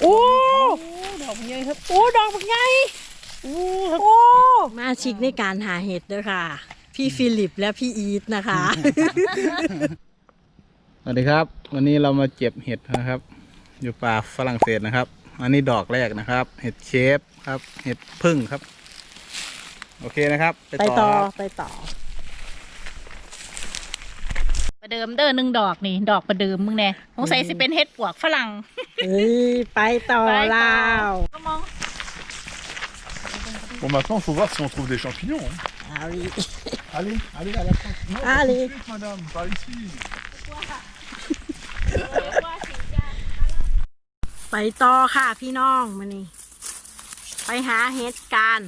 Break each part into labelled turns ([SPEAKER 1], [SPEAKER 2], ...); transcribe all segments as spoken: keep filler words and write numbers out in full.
[SPEAKER 1] อ้
[SPEAKER 2] ดอกใหญ่ครับ
[SPEAKER 1] โอ้ดอกใหญ่
[SPEAKER 2] โอ้ครับ
[SPEAKER 1] โอ้มาชิกในการหาเห็ดด้วยค่ะพี่ฟิลิปและพี่อีทนะคะ
[SPEAKER 3] สวัสดีครับวันนี้เรามาเก็บเห็ดนะครับอยู่ป่าฝรั่งเศสนะครับอันนี้ดอกแรกนะครับเห็ดเชฟครับเห็ดพึ่งครับโอเคนะครับ
[SPEAKER 1] ไปต่อไปต่อ
[SPEAKER 2] ประเดิมเด้อหนึ่งดอกนี่ดอกประเดิมมึงแน่สงสัยสิเป็นเห็ดปวกฝรั่ง
[SPEAKER 1] เฮ้ยไปต่อแล้ว
[SPEAKER 2] ก็มอง
[SPEAKER 4] Bon, maintenant, il faut voir si on trouve des champignons. Hein.
[SPEAKER 1] Allez,
[SPEAKER 4] Allez, allez, à la fin. Non,
[SPEAKER 1] allez,
[SPEAKER 4] pas ici, madame, pas ici.
[SPEAKER 1] ไปต่อค่ะพี่น้องมานี่ไปหาเห็ดกัน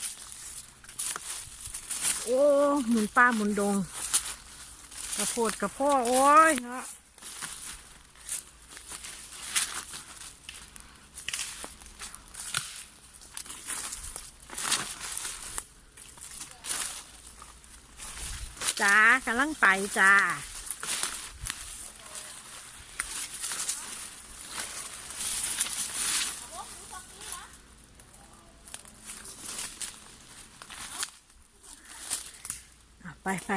[SPEAKER 1] โอ้หมุนป้าหมุนดงกระโพดกระโพดโอ้ยเนาะจ้ากำลังไปจ้าไปไป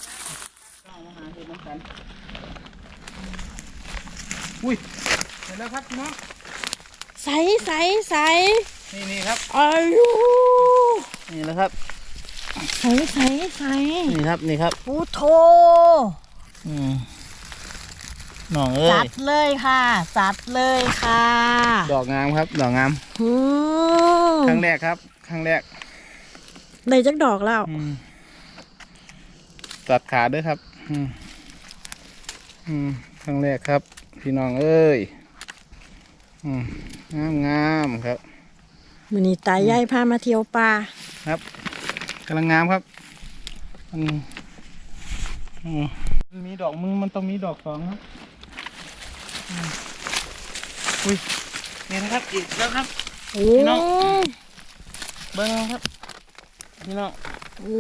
[SPEAKER 3] อุ้ยเห็นแล้วครับพี่น้อง
[SPEAKER 1] ใส่ใส่ใส่
[SPEAKER 3] นี่นี่ครับ
[SPEAKER 1] อายุ
[SPEAKER 3] นี่แล้วครับ
[SPEAKER 1] ใส่ใส่ใส่
[SPEAKER 3] นี่ครับนี่ครับ
[SPEAKER 1] พุทโธ
[SPEAKER 3] อืมน้องเอ้ย
[SPEAKER 1] จัดเลยค่ะจัดเลยค่ะ
[SPEAKER 3] ดอกงามครับดอกงาม
[SPEAKER 1] อืม
[SPEAKER 3] ครั้งแรกครับครั้งแรก
[SPEAKER 1] ได้จักดอกแล้ว
[SPEAKER 3] อืมตัดขาด้วยครับอืมอืมครั้งแรกครับพี่น้องเอ้ยอืมงามงามครับ
[SPEAKER 1] มื้อนี้ตายายพามาเที่ยวป่า
[SPEAKER 3] ครับกำลังงามครับมันอืมมันมีดอกมึงมันต้องมีดอกสองครับอืมอุ้ยนี่นะครับอีกแล้วครับ
[SPEAKER 1] โอ้
[SPEAKER 3] พี่น้อง เบิ้งครับพี่น้อง
[SPEAKER 1] โอ้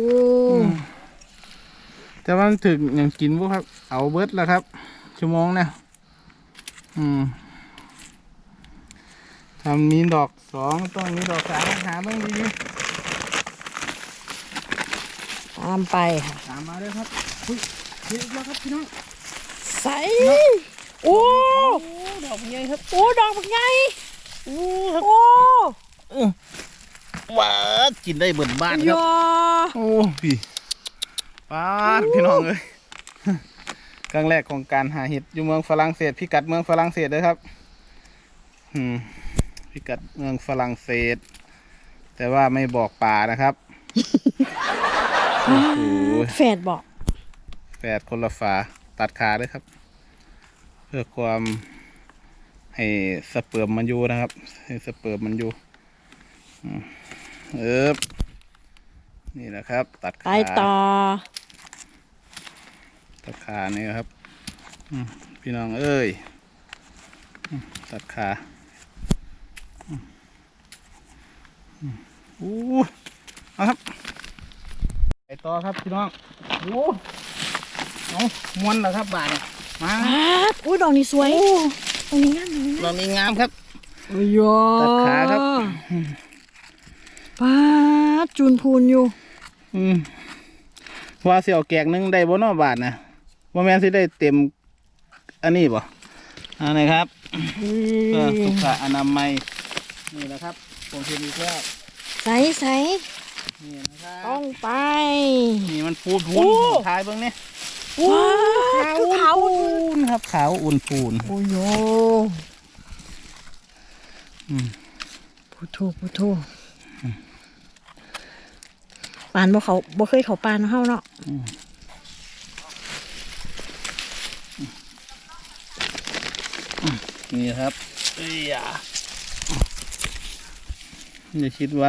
[SPEAKER 3] แต่ว่ามันถึงอย่างกินพวกครับเอาเบิร์ดแล้วครับชั่วโมงเนี่ยอืมทำมีดอกสองต้องมีดอกสามหาเบิ้งดี
[SPEAKER 1] ตามไปค่ะ
[SPEAKER 3] ๆตามมาเลยครับอุ้ยเห็นอีกแล้วครับพี่น้อง
[SPEAKER 1] ใส่โอ้
[SPEAKER 2] ดอกใหญ่ครับ
[SPEAKER 1] โอ้ดอกใหญ่
[SPEAKER 2] โอ้ครับ
[SPEAKER 1] โอ้
[SPEAKER 3] ว้ากินได้เบิดบ้านค
[SPEAKER 1] ย
[SPEAKER 3] รับ
[SPEAKER 1] อ
[SPEAKER 3] โอ้พี่ป้าดพี่น้องเลยครั้งแรกของการหาเห็ดอยู่เมืองฝรั่งเศสพิกัดเมืองฝรั่งเศสเลยครับอืมพิกัดเมืองฝรั่งเศส แต่ว่าไม่บอกป่านะครับโอ้โห
[SPEAKER 1] แฝดบอก
[SPEAKER 3] แฝดคนละฝาตัดขาด้วยครับ เพื่อความให้สเปิร์มมันอยู่นะครับ ให้สเปิร์มมันอยู่อืมเออนี่แหละครับ ตัด
[SPEAKER 1] ไป
[SPEAKER 3] ขา
[SPEAKER 1] ต่อ
[SPEAKER 3] ตัดขานี่ครับอืมพี่น้องเอ้ยอืมตัดขาอืมอืมอู้เอาครับไปต่อครับพี่น้องโอ้เอาม้วนแล้วครับบาทเนี่ยมา
[SPEAKER 1] ป๊าดอุ้ยดอกนี้สวยดอกนี้งามดอกนี้งาม
[SPEAKER 3] เรามีงามครับ
[SPEAKER 1] โอ้ยอ
[SPEAKER 3] ตัดขาครับ
[SPEAKER 1] ป๊าดจูนพูนอยู่
[SPEAKER 3] อืมว่าเสี่ยวแกงหนึงได้บ่เนอบาทนะว่าแม่นสิได้เต็มอันนี้บ่อันไหนครับเพื่อสุขอนามัยนี่แหละครับผมเห็นอีกแล้ว
[SPEAKER 1] ใส่ใส่
[SPEAKER 3] นี่นะครับ
[SPEAKER 1] ต้องไป
[SPEAKER 3] นี่มันพูนพู
[SPEAKER 1] โอ้
[SPEAKER 3] นท้ายเบื้องนี้
[SPEAKER 1] ว้าวคือเขา
[SPEAKER 3] นครับขาวอุ่นพูน
[SPEAKER 1] โอ้ย
[SPEAKER 3] อืม
[SPEAKER 1] พุทโธพุทโธปานบ่เขาบ่เคยเขาปานเฮาเนาะ
[SPEAKER 3] นี่ครับเอ้ยอย่าอย่าคิดว่า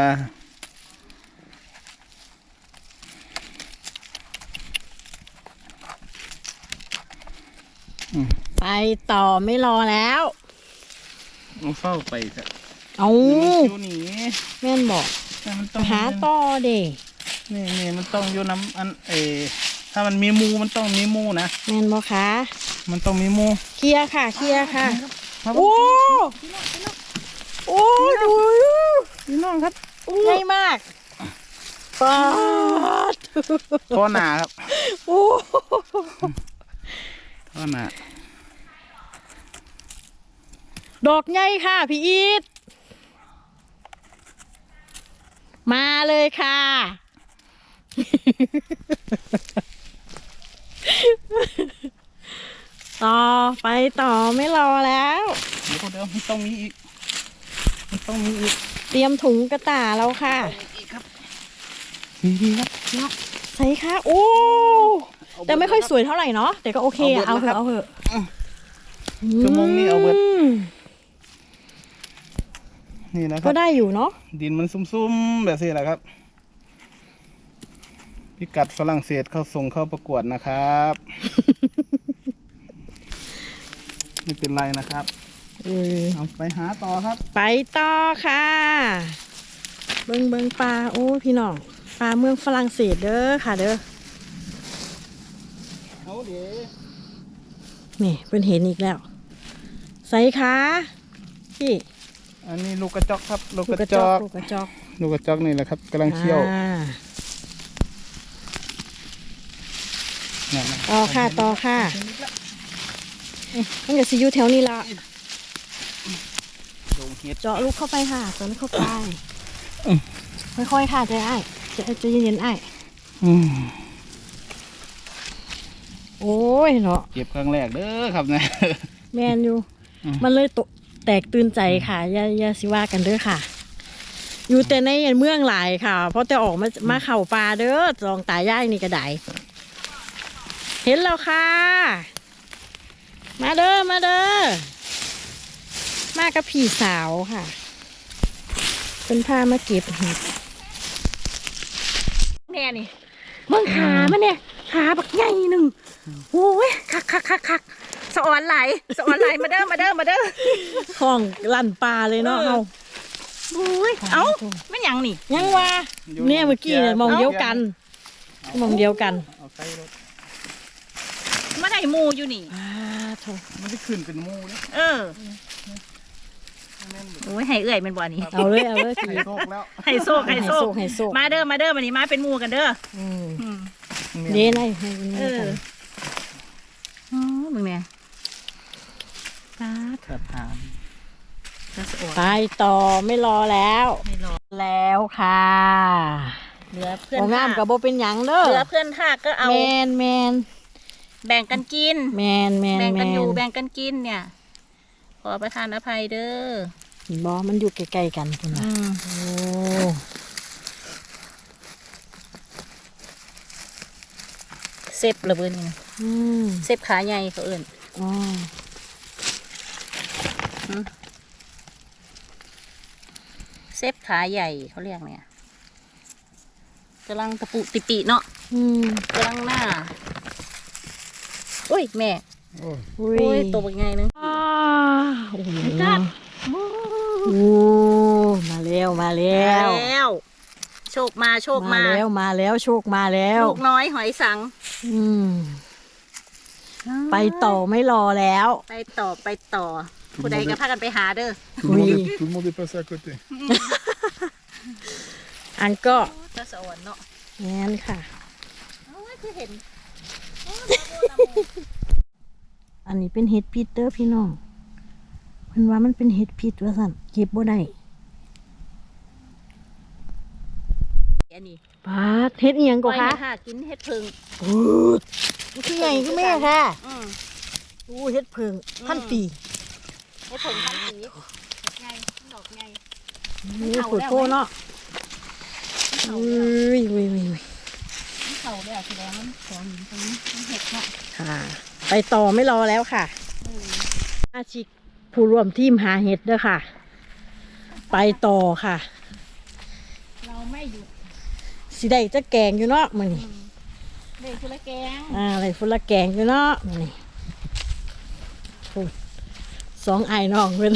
[SPEAKER 1] ไปต่อไม่รอแล้ว
[SPEAKER 3] มันเฝ้าไปครับ
[SPEAKER 1] เอา
[SPEAKER 3] มันอยู่นี่
[SPEAKER 1] แม่นบอก
[SPEAKER 3] แต่มัน
[SPEAKER 1] ไป
[SPEAKER 3] ต้อง
[SPEAKER 1] หาต่อเด้
[SPEAKER 3] นี่นี่มันต้องอยู่น้ำอันเออถ้ามันมีมูมันต้องมีมูนะ
[SPEAKER 1] แม่นบ่คะ
[SPEAKER 3] มันต้องมีมู
[SPEAKER 1] เคลียร์ค่ะเคลียร์ค่ะ
[SPEAKER 3] ครับ
[SPEAKER 1] โอ้ป้าด
[SPEAKER 3] ท่อหนาครับ
[SPEAKER 1] โอ้
[SPEAKER 3] ท่อหนา
[SPEAKER 1] ดอกใหญ่ค่ะพี่อีทมาเลยค่ะ ต่อไปต่อไม่รอแล้ว
[SPEAKER 3] เดี๋ยวเดี๋ยวมันต้องมีอีกมันต้องมีอีก
[SPEAKER 1] เตรียมถุงกระต่ายแล้วค่ะ
[SPEAKER 3] อีกครับนี่ดีครับเนาะ
[SPEAKER 1] ใส่ค่ะ โอ้ แต่ไม่ค่อยสวยเท่าไหร่เนาะแต่ก็โอเคอะเอาเถอะเอาเถอะ
[SPEAKER 3] ชั่วโมงนี้เอาเบิด
[SPEAKER 1] ม
[SPEAKER 3] นี่นะค
[SPEAKER 1] ก็
[SPEAKER 3] รับ
[SPEAKER 1] ได้อยู่เนาะ
[SPEAKER 3] ดินมันซุ่มๆแบบนี้แหละครับ พิกัดฝรั่งเศสเข้าส่งเข้าประกวดนะครับ ไม่เป็นไรนะครับ
[SPEAKER 1] เออ
[SPEAKER 3] เอาไปหาต่อครับ
[SPEAKER 1] ไปต่อค่ะ เบิงเบิงปลาโอ้พี่น้องปลาเมืองฝรั่งเศสเด้อค่ะเด้อ
[SPEAKER 3] เอาเดี๋ยว
[SPEAKER 1] นี่เป็นเห็นอีกแล้วใส่ขาพี่
[SPEAKER 3] อันนี้ลูกกระจอกครับ ลูก
[SPEAKER 1] ลู
[SPEAKER 3] ก
[SPEAKER 1] กก
[SPEAKER 3] ระ
[SPEAKER 1] ระ
[SPEAKER 3] จ
[SPEAKER 1] จ
[SPEAKER 3] อ
[SPEAKER 1] อก
[SPEAKER 3] ก
[SPEAKER 1] ลูกกระจอก
[SPEAKER 3] ลูกกระจอกนี่แหละครับกำลังเคี่ยว
[SPEAKER 1] อ่า
[SPEAKER 3] เนี่ยนะ
[SPEAKER 1] ต่อค่ะต่อค่ะมันจะซีอยู่แถวนี้ละ
[SPEAKER 3] ลงเห็ด
[SPEAKER 1] เจาะลูกเข้าไปค่ะเจาะลูกเข้าไปค่อยๆค่ะใจไอ้ายใจะจะเย็นๆไอ้าย
[SPEAKER 3] อืม
[SPEAKER 1] โอ้ยเนาะ
[SPEAKER 3] เก็บครั้งแรกเด้อครับเนี่ย
[SPEAKER 1] แมนอยู่
[SPEAKER 3] อืม
[SPEAKER 1] มันเลยตกแตกตื่นใจค่ะอย่าอย่าสิว่ากันเด้อค่ะ อยู่แต่ในเมืองหลายค่ะ เพราะแต่ออกมามาเข่าป่าเด้อจองตายายนี่ก็ได้เห็นแล้วค่ะ มาเด้อมาเด้อมากับพี่สาวค่ะเป็นพามาเก็บเห็ด
[SPEAKER 2] แน่นี่
[SPEAKER 1] เมืองขามันเนี่ยขาบักใหญ่หนึ่งโอ้ย
[SPEAKER 2] คักคักคักคักสะออนไหลสะออนไหลมาเด้อมาเด้อมาเด้อ
[SPEAKER 1] ของลั่นปลาเลยเนาะ
[SPEAKER 2] เออ
[SPEAKER 1] เอา
[SPEAKER 2] อุ้ยเอ้าไม่หยังนี่
[SPEAKER 1] ยังว่าเนี่ยเมื่อกี้เนี่ยมองเดียวกันมองเดียวกัน
[SPEAKER 3] เอาใส่รถ
[SPEAKER 2] มาได้หมูอยู่นี่
[SPEAKER 1] อ่าโถ
[SPEAKER 3] มันได้ขึ้นเป็นหมูนะ
[SPEAKER 2] เออโอ้ยให้เอื่อยเป็นบ่อนี้
[SPEAKER 1] เอาเลยเอาเลย
[SPEAKER 3] ไข่
[SPEAKER 1] พี่
[SPEAKER 3] โชคแล้ว
[SPEAKER 2] ให้โซกให้โซก
[SPEAKER 1] ให้โซก
[SPEAKER 2] มาเด้อมาเด้อมานี่มาเป็นหมูกันเด้อ
[SPEAKER 1] อืม
[SPEAKER 2] อืม
[SPEAKER 1] เด้นให้ให้มัน
[SPEAKER 2] เอ
[SPEAKER 1] มี
[SPEAKER 2] อ
[SPEAKER 1] กัน
[SPEAKER 2] อ๋อมึงเนี่ยตา
[SPEAKER 3] ขัดหาม
[SPEAKER 2] จะสะออน
[SPEAKER 1] ไปต่อไม่รอแล้ว
[SPEAKER 2] ไม่รอ
[SPEAKER 1] แล้วค่ะ
[SPEAKER 2] เหลือเพื่อน
[SPEAKER 1] โองาม
[SPEAKER 2] ทาก
[SPEAKER 1] กับโบเป็นหยังเด้อ
[SPEAKER 2] เหลือเพื่อนทากก็เอา
[SPEAKER 1] แมนแมน
[SPEAKER 2] แบ่งกันกิน
[SPEAKER 1] แมนแมน
[SPEAKER 2] แบ่ง
[SPEAKER 1] แม
[SPEAKER 2] กันอยู่
[SPEAKER 1] น
[SPEAKER 2] แบ่งกันกินเนี่ย ขอประทานอภัยเด้อบ
[SPEAKER 1] อมันอยู่ใกล้ๆกันคุณ
[SPEAKER 2] อืม
[SPEAKER 1] โอ้
[SPEAKER 2] เซฟระเบิดนี่นะ
[SPEAKER 1] อืม
[SPEAKER 2] เซฟขาใหญ่เขาเอื่น
[SPEAKER 1] อ๋อ
[SPEAKER 2] เซฟขาใหญ่เขาเรียกเนี่ยกำลังตะปุติปิเนาะ
[SPEAKER 1] อืม
[SPEAKER 2] กำลังหน้าอุ้ยแม่
[SPEAKER 1] อุ้
[SPEAKER 2] โอ้ยตัวเป็นไงนึง
[SPEAKER 1] อ่าโอ้โห
[SPEAKER 2] กัด
[SPEAKER 1] โอ้มาแล้วมาแล้ว
[SPEAKER 2] แล้ว โชคมาโชคมา
[SPEAKER 1] แล้วมาแล้วโชคมาแล้ว
[SPEAKER 2] ลูกน้อยหอยสัง
[SPEAKER 1] อืมไปต่อไม่รอแล้ว
[SPEAKER 2] ไปต่อไปต่อ ผู้ใดก็พากันไปหาเด้อ
[SPEAKER 4] Tout le, monde
[SPEAKER 1] Oui.
[SPEAKER 4] est, tout le monde est passé à côté.
[SPEAKER 1] อันก็
[SPEAKER 2] จะสอนเนาะ
[SPEAKER 1] งั้นค่ะ
[SPEAKER 2] โอ้ยคือเห็น
[SPEAKER 1] อันนี้เป็นเห็ดพิษเด้อพี่น้องเพิ่นว่ามันเป็นเห็ดพิษว่าสั่นเก็บบ่ได้
[SPEAKER 2] อันนี้
[SPEAKER 1] ปาดเห็ดอีหยังก็คะ
[SPEAKER 2] ค่ะกินเห็ดพึ่ง
[SPEAKER 1] ปูดมันคือใหญ่คือแม่ค่ะ
[SPEAKER 2] อืม
[SPEAKER 1] อู้เห็ดเพิงพันปี
[SPEAKER 2] เห็ดพึ่งพันสีไงดอกไง
[SPEAKER 1] นี่ปวดโพเนาะอุ้ยอุ้ยอุ้ยอุ้ย
[SPEAKER 2] เขาเด้อแสดงมันของหินตรงนี้มันเห็ดเนาะ
[SPEAKER 1] ค่ะ ไปต่อไม่รอแล้วค่ะอาชิกผู้ร่วมทีมหาเห็ดเด้อค่ะ ไปต่อค่ะ
[SPEAKER 2] เราไม่หยุด
[SPEAKER 1] สิได้จะแกงอยู่เนาะมื้อนี้
[SPEAKER 2] เด็กคือละแกง
[SPEAKER 1] อ่าอะไรฟุละแกงอยู่เนาะมื้อนี้โอ้ยสองไอ้น้องเพิ่น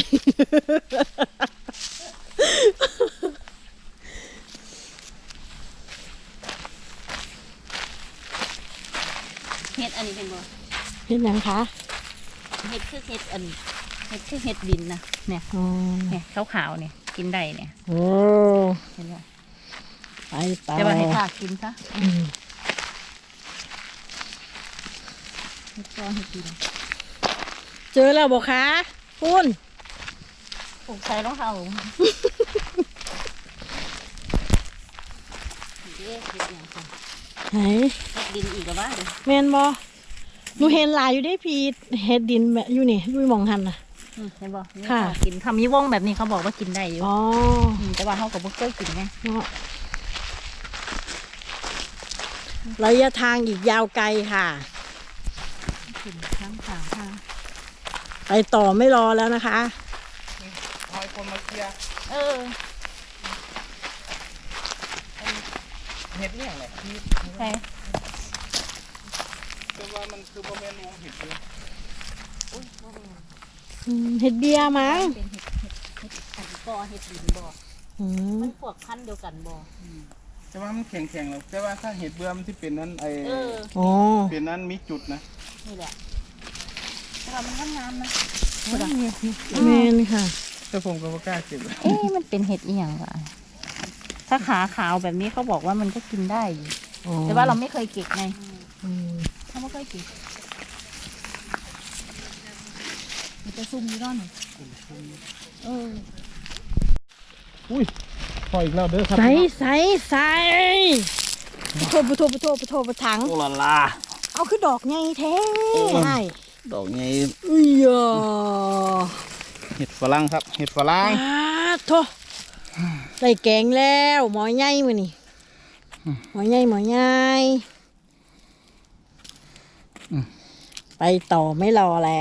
[SPEAKER 2] เห็ดอันนี้เป็นบ่
[SPEAKER 1] เห็นหยังคะ
[SPEAKER 2] เห็ดคือเห็ดอันเห็ดคือเห็ดดินนะเนี่ย
[SPEAKER 1] อ๋อ
[SPEAKER 2] เนี่ยขาวๆเนี่ยกินได้เนี่ย
[SPEAKER 1] โอ้
[SPEAKER 2] เห็นบ่
[SPEAKER 1] ไปต่อ
[SPEAKER 2] จะมาให้ข้ากินซะ
[SPEAKER 1] อืม
[SPEAKER 2] เฮ็ดก้อนให้กิน
[SPEAKER 1] เจอแล้วบอกคะคุณ
[SPEAKER 2] ปลูกใส่รองเท้าเอ๊ะเฮ็ดหยังจ้ะ
[SPEAKER 1] ไหน
[SPEAKER 2] เฮ็ดดินอีกแล้ววะเดี๋ยว
[SPEAKER 1] แมนบอหนูเห็นหลายอยู่ได้พีเฮ็ดดินแบบอยู่นี่อยู่หมองหันน่ะ
[SPEAKER 2] อืมเห็นบ่นี่
[SPEAKER 1] ค่ะ
[SPEAKER 2] เขากินทำมีวงแบบนี้เขาบอกว่ากินได้อยู่
[SPEAKER 1] อ๋อ
[SPEAKER 2] มแต่ว่าเขาก็บ่เคยกินไง
[SPEAKER 1] เนาะระยะทางอีกยาวไกลค่ะ
[SPEAKER 2] กินข้างทางค่ะ
[SPEAKER 1] ไปต่อไม่รอแล้วนะคะ
[SPEAKER 3] คอยคนมาเคลียร์
[SPEAKER 2] เออ
[SPEAKER 3] เห็ดเนี่ยแหละ
[SPEAKER 2] ใช่
[SPEAKER 3] แต่ว่ามันคือโมเมนต์วงเห็ดเลย
[SPEAKER 1] อืมเห็ดเบียร์มั้ง
[SPEAKER 2] เป็นเห็ดเห็ดเห็ดอันกอเห็ดดินบ่
[SPEAKER 1] อืม
[SPEAKER 2] มันพวกพันธุ์เดียวกันบ่
[SPEAKER 3] แต่ว่ามันแข็งแข็งๆหรอกแต่ว่าถ้าเห็ดเบื่อมันที่เป็นนั้นไอ
[SPEAKER 2] เออ
[SPEAKER 1] อ๋อ
[SPEAKER 3] เป็นนั้นมีจุดนะ
[SPEAKER 2] นี่แหละแต่ว่ามันงามๆนะ
[SPEAKER 1] แมนค่ะ
[SPEAKER 3] แต่ผมก็ไม่กล้าเก็บ
[SPEAKER 2] เอ๊ะมันเป็นเห็ดอีหยังวะถ้าขาขาวแบบนี้เขาบอกว่ามันก็กินได้อยู่
[SPEAKER 1] อ๋อ
[SPEAKER 2] แต่ว่าเราไม่เคยเก็บไง
[SPEAKER 1] อืม
[SPEAKER 2] เขาไม่เคยเก็บมันจะซุ่มอยู่ด้านหนึ่งเออ
[SPEAKER 3] อุ้ยพออีกแล้วเด้อครับ
[SPEAKER 1] ใส่ใส่ใส่ปะโทปะโทปะโทปะโทปะถัง
[SPEAKER 3] โอ้ลาลา
[SPEAKER 1] เอาคือดอกไงแท้ใช่
[SPEAKER 3] ดอกไง
[SPEAKER 1] อุ้ยอ่ะ
[SPEAKER 3] เห็ดฝรั่งครับ เห็ดฝรั่ง
[SPEAKER 1] ปาดโทได้แกงแล้วหมอใหญ่มื้อนี่หมอใหญ่หมอใหญ่ไปต่อไม่รอแล้ว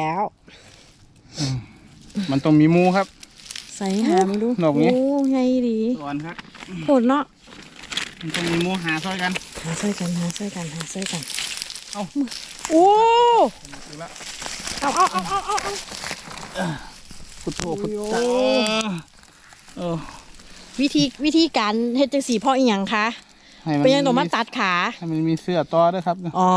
[SPEAKER 3] มันต้องมีหมูครับ
[SPEAKER 1] ใส่หามาดู
[SPEAKER 3] ดอกนี้
[SPEAKER 1] โอ้ใหญ่ดี
[SPEAKER 3] สอนครับ
[SPEAKER 1] โคตรเนาะ
[SPEAKER 3] มันต้องมีหมูหาซอยกัน
[SPEAKER 1] หาใส่กันหาใส่กันหาใส่กัน
[SPEAKER 3] เอา
[SPEAKER 1] โอ้
[SPEAKER 3] อีกแล้ว
[SPEAKER 1] เอาเอาเอาเอาเอาเอา
[SPEAKER 3] พุทโธพุท
[SPEAKER 1] โอ้
[SPEAKER 3] โธ
[SPEAKER 1] ย
[SPEAKER 3] เออ
[SPEAKER 1] วิธีวิธีการเฮ็ดจังสีพ่ออีหยังคะ
[SPEAKER 3] ให้มัน
[SPEAKER 1] เป็นยังต้องมาตัดขา
[SPEAKER 3] ให้มันมีเสื้อต่อด้วยครับ
[SPEAKER 1] อ๋อ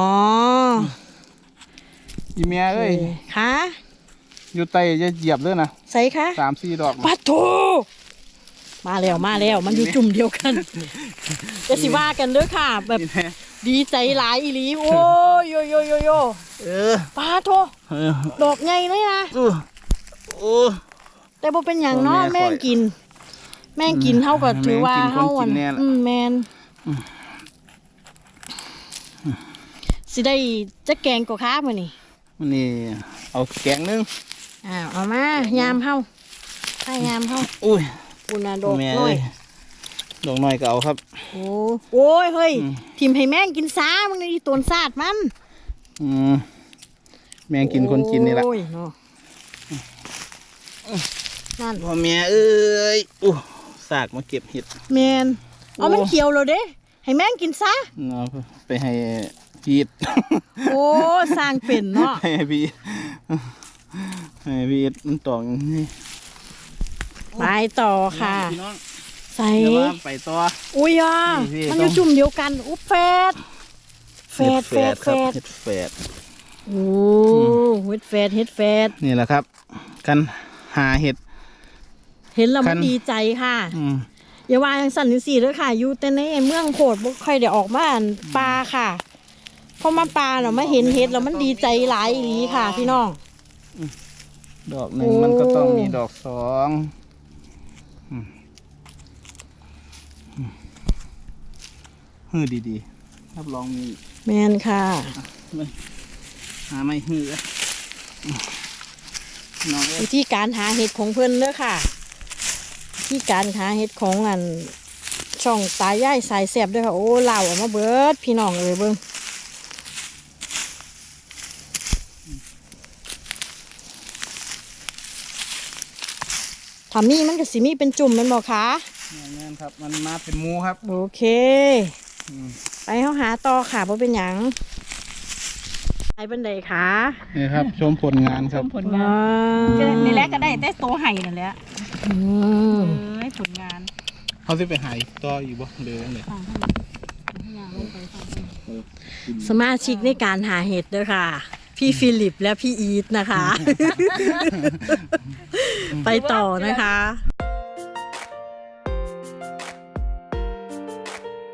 [SPEAKER 3] อีเมียเอ้ย
[SPEAKER 1] คะ
[SPEAKER 3] อยู่ใต้จะเหยียบเลยนะ
[SPEAKER 1] ใส่คะ
[SPEAKER 3] สามสี่ดอก
[SPEAKER 1] ปัดโถมาแล้วมาแล้วมันอยู่จุ่มเดียวกันจะสิว่ากันเด้อค่ะ แบบ
[SPEAKER 3] นี่แน่
[SPEAKER 1] ดีใจหลายอีหลีโอ้ยโยโยโยโย
[SPEAKER 3] เออ
[SPEAKER 1] ปาโถ
[SPEAKER 3] เออ
[SPEAKER 1] ดอกใหญ่เลยนะ
[SPEAKER 3] อู้โอ้
[SPEAKER 1] แต่บ่เป็นอย่างเนาะ
[SPEAKER 3] โอ้แม่
[SPEAKER 1] แม่งกิน แม่งกินเท่ากับ
[SPEAKER 3] อืม
[SPEAKER 1] ถือว่า
[SPEAKER 3] แม่งกิน
[SPEAKER 1] เท่า
[SPEAKER 3] คนกินแน่ล่ะ
[SPEAKER 1] อืมแมนสิได้จะแกงกว่าค้ามื้อนี่
[SPEAKER 3] มันนี่เอาแกงนึง
[SPEAKER 1] อ้าวเอามายามเฮาถ้ายามเฮา
[SPEAKER 3] อุ้ย
[SPEAKER 1] อุณาดอก
[SPEAKER 3] แม่
[SPEAKER 1] น้อ
[SPEAKER 3] เอ้
[SPEAKER 1] ย
[SPEAKER 3] ยดอกน้อยก็เอาครับ
[SPEAKER 1] โอ้โอ้ยเฮ้ย
[SPEAKER 3] อืม
[SPEAKER 1] ทิมให้แม่งกินซามึงนี่ตวนซาดมัน
[SPEAKER 3] อืมแมงกินคนกินนี่แหละ
[SPEAKER 1] โอ้ยเนาะนั่น
[SPEAKER 3] พ่อแม่เอ้ยอู้สากมาเก็บเห็ด
[SPEAKER 1] แมนเอามันเขียวแล้วเด้ให้แม่งกินซะ
[SPEAKER 3] เอาไปให้พีด
[SPEAKER 1] โอ้สร้างเป็นเนาะ
[SPEAKER 3] ให้พีดให้พีดมันตองนี่
[SPEAKER 1] ไปต่อค่ะ
[SPEAKER 3] พี่น้อง
[SPEAKER 1] ใส่
[SPEAKER 3] เดี๋ยวว่าไปต่อ
[SPEAKER 1] อุ้ยอ่ะ
[SPEAKER 3] นี่พี่
[SPEAKER 1] มันอยู่
[SPEAKER 3] ต้อง
[SPEAKER 1] จุ่มเดียวกันอุ๊บแฟดแฟดแฟดแฟ
[SPEAKER 3] ครับ
[SPEAKER 1] ด
[SPEAKER 3] เห็ดแฝด
[SPEAKER 1] โอ้เฮ็ดแฟดเฮ็ดแฟด
[SPEAKER 3] นี่แหละครับกันหาเห็ด
[SPEAKER 1] เห็นแล้ว
[SPEAKER 3] คั
[SPEAKER 1] มัน
[SPEAKER 3] น
[SPEAKER 1] ดีใจค่ะ
[SPEAKER 3] อืม
[SPEAKER 1] อย่าว่าอย่างสั่นสี่เด้อค่ะ อยู่แต่ในเมืองโพดบ่ค่อยได้ออกมาอั่นปลาค่ะพอมาปลาเนาะมาเห็นเห็ดแล้วมันดีใจหลายอีหลีค่ะ พี่น้อง
[SPEAKER 3] ดอกหนึ่ง
[SPEAKER 1] โอ้
[SPEAKER 3] มันก็ต้องมีดอกสองอืมอืมฮือดีๆรับรองมี
[SPEAKER 1] แมนค่ะ
[SPEAKER 3] หาไม่ฮืออืมน้องเอ้ย
[SPEAKER 1] วิธีการหาเห็ดของเพิ่นเด้อค่ะวิธีการหาเห็ดของอันช่องตายายสายแสบเด้อค่ะโอ้เล่าออกมาเบิดพี่น้องเอ้ยเบิ่งถ้ามีมันก็สิมีเป็นจุ่มแมันบอกคะ
[SPEAKER 3] แม่นครับ มันมาเป็นหมูครับ
[SPEAKER 1] โอเค
[SPEAKER 3] อืม
[SPEAKER 1] ไปเฮาหาต่อค่ะเพราะเป็นหยังไปบันไดค่ะ
[SPEAKER 3] นี่ครับ ชมผลงานครับ
[SPEAKER 2] ผลงานก็นี่แหละก็ได้แต่โตไห่นั่นแหละ
[SPEAKER 1] อืม
[SPEAKER 2] เอ้ยผลงาน
[SPEAKER 3] เขาจะไปหายต่ออยู่บ่เลยเลย
[SPEAKER 2] ฟังให้ยางลงไปฟังให้
[SPEAKER 1] สมาชิกในการหาเห็ดเด้อค่ะ พี่ฟิลิปและพี่อีทนะคะ ไปต่อนะคะ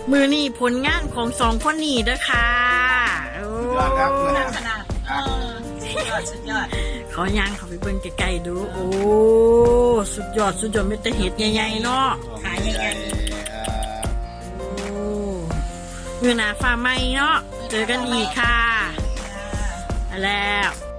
[SPEAKER 1] มือนี่ผลงานของสองคนนี้เด้อค่ะโอ้
[SPEAKER 3] ยอดครับ
[SPEAKER 2] ขนาดเออสุดยอดสุดยอด
[SPEAKER 1] ขอย่างเขาไปเบิ่งใกล้ๆดู โอ้ สุดยอดสุดยอดไม่แต่เห็ดใหญ่ๆเนาะ
[SPEAKER 2] ขายใหญ่
[SPEAKER 1] โอ้มือหนาฟ้าไหมเนาะ เจอกันอีกค่ะ
[SPEAKER 2] ๆ
[SPEAKER 1] ไปแล้ว